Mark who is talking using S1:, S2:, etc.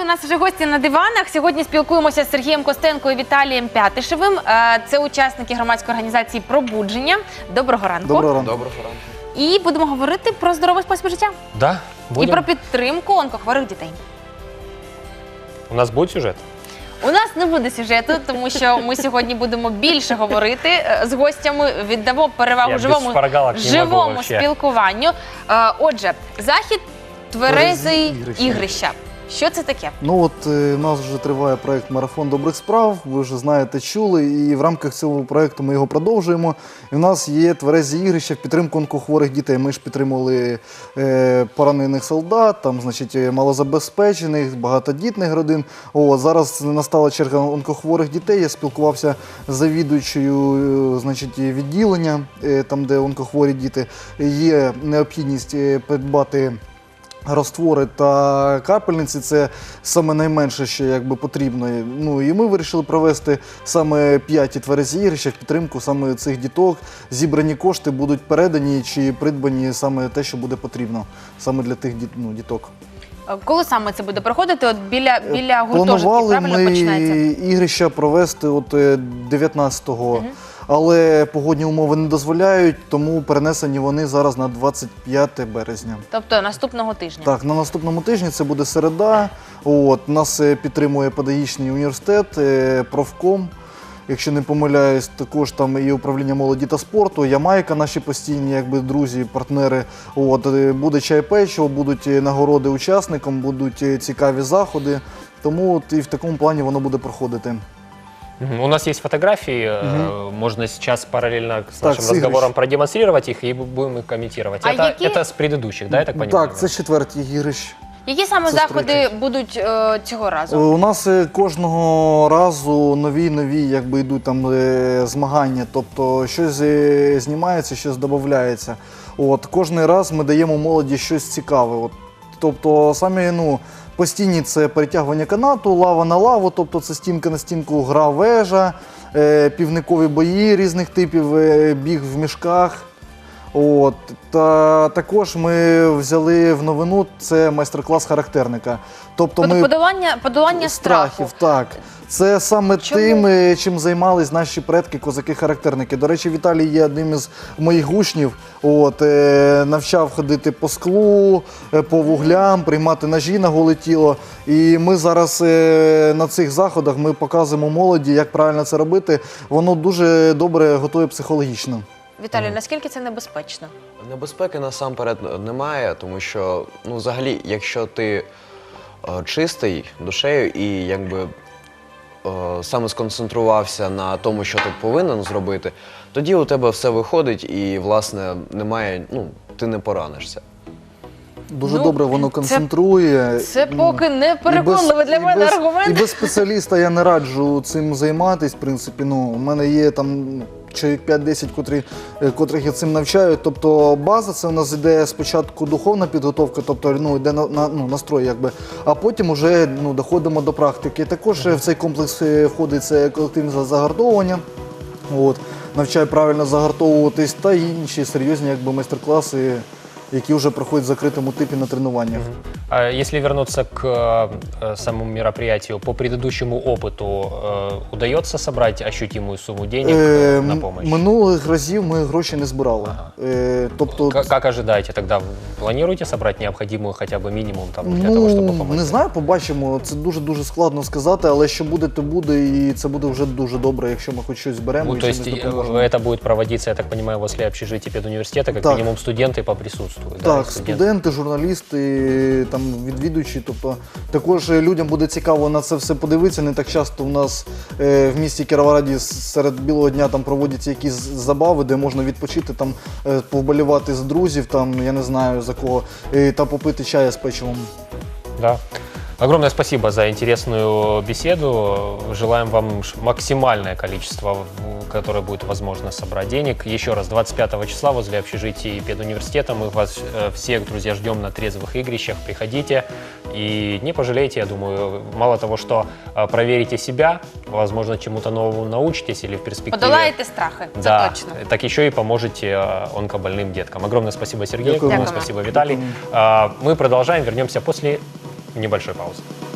S1: нас вже гості на диванах. Сьогодні спілкуємося з Сергієм Костенко і Віталієм Пятишевим. Це учасники громадської організації «Пробудження». Доброго ранку.
S2: Доброго ранку.
S3: Доброго ранку.
S1: І будемо говорити про здоровий спосіб життя.
S3: Да, будем.
S1: І про підтримку онкохворих дітей.
S3: У нас буде сюжет?
S1: У нас не буде сюжету, тому що ми сьогодні будемо більше говорити з гостями, віддамо перевагу живому спілкуванню. Отже, захід «Тверезі ігрища». Що це таке?
S2: Ну от у нас вже триває проєкт «Марафон добрих справ», ви вже знаєте, чули, і в рамках цього проєкту ми його продовжуємо. І в нас є тверезі ігрища в підтримку онкохворих дітей. Ми ж підтримували поранених солдат, там, значить, малозабезпечених, багатодітних родин. Зараз настала черга онкохворих дітей. Я спілкувався з завідуючою, значить, відділення, там, де онкохворі діти. Є необхідність придбати розтвори та капельниці – це саме найменше, що якби потрібно. Ну і ми вирішили провести саме 5 тверезі ігрища в підтримку саме цих діток. Зібрані кошти будуть передані чи придбані саме те, що буде потрібно саме для тих діток.
S1: Коли саме це буде проходити? От біля гуртожитків,
S2: планували
S1: правильно починається?
S2: Ігрища провести от 19-го. Але погодні умови не дозволяють, тому перенесені вони зараз на 25 березня.
S1: Тобто наступного тижня?
S2: Так, на наступному тижні, це буде середа. Нас підтримує педагогічний університет, профком. Якщо не помиляюсь, також там і управління молоді та спорту, Ямайка, наші постійні якби друзі, партнери. Буде чай-печиво, будуть нагороди учасникам, будуть цікаві заходи. Тому і в такому плані воно буде проходити.
S3: У нас есть фотографии, можно сейчас параллельно с нашим разговором продемонстрировать их и будем их комментировать. Это с предыдущих, да, я так понимаю?
S2: Так, це 4-й ігрищ.
S1: Які саме заходи будуть цього разу?
S2: У нас кожного разу нові якби йдуть там змагання, тобто щось знімається, щось додається. Кожен раз ми даємо молоді щось цікаве. Тобто самі, постійні це перетягування канату, лава на лаву, тобто це стінка на стінку, гра вежа, півникові бої різних типів, біг в мішках. Та також ми взяли в новину, це майстер-клас характерника. Тобто
S1: подолання страху.
S2: Так. Це саме тим, чим займались наші предки, козаки-характерники. До речі, Віталій є одним із моїх учнів. Навчав ходити по склу, по вуглям, приймати ножі на голе тіло. І ми зараз на цих заходах ми показуємо молоді, як правильно це робити. Воно дуже добре готує психологічно.
S1: Віталій, наскільки це небезпечно?
S4: Небезпеки насамперед немає, тому що, взагалі, якщо ти чистий душею і якби саме сконцентрувався на тому, що ти повинен зробити, тоді у тебе все виходить і, власне, немає, ти не поранишся.
S2: Дуже добре воно концентрує.
S1: Це поки не переконливий для мене аргумент.
S2: І без спеціаліста я не раджу цим займатися, в принципі. У мене є там чоловік 5-10, котрих я цим навчаю. Тобто база, це у нас йде спочатку духовна підготовка, тобто йде настрой, якби, а потім вже доходимо до практики. Також в цей комплекс входить це колективне загартовування. Навчаю правильно загартовуватись та інші серйозні майстер-класи, які вже проходять в закритому типі на тренуваннях.
S3: Если вернуться к самому мероприятию, по предыдущему опыту удается собрать ощутимую сумму денег на помощь?
S2: Минулих разів ми гроші не збирали.
S3: Как ожидаете тогда? Планируете собрать необходимую хотя бы минимум для того, чтобы помочь?
S2: Не знаю, побачимо. Це дуже складно сказати, але що буде, то буде, і це буде вже дуже добре, якщо ми хоч щось зберемо і чимось допоможемо.
S3: Это будет проводиться, я так понимаю, возле общежития педуниверситета, как минимум студенты поприсутствуют?
S2: Так, студенти, журналісти, відвідувачі, тобто також людям буде цікаво на це все подивитися. Не так часто у нас в місті Кіровограді серед білого дня проводяться якісь забави, де можна відпочити, повболівати з друзів, я не знаю за кого, та попити чаю з печивом.
S3: Да. Огромное спасибо за интересную беседу. Желаем вам максимальное количество, которое будет возможно собрать денег. Еще раз, 25 числа возле общежития педуниверситета мы вас всех, друзья, ждем на трезвых игрищах. Приходите и не пожалеете, я думаю. Мало того, что проверите себя, возможно, чему-то новому научитесь или в перспективе...
S1: Подолаете страхи,
S3: да,
S1: точно.
S3: Так еще и поможете онкобольным деткам. Огромное спасибо, Сергей. Огромное спасибо, Виталий. Мы продолжаем, вернемся после небольшой паузы.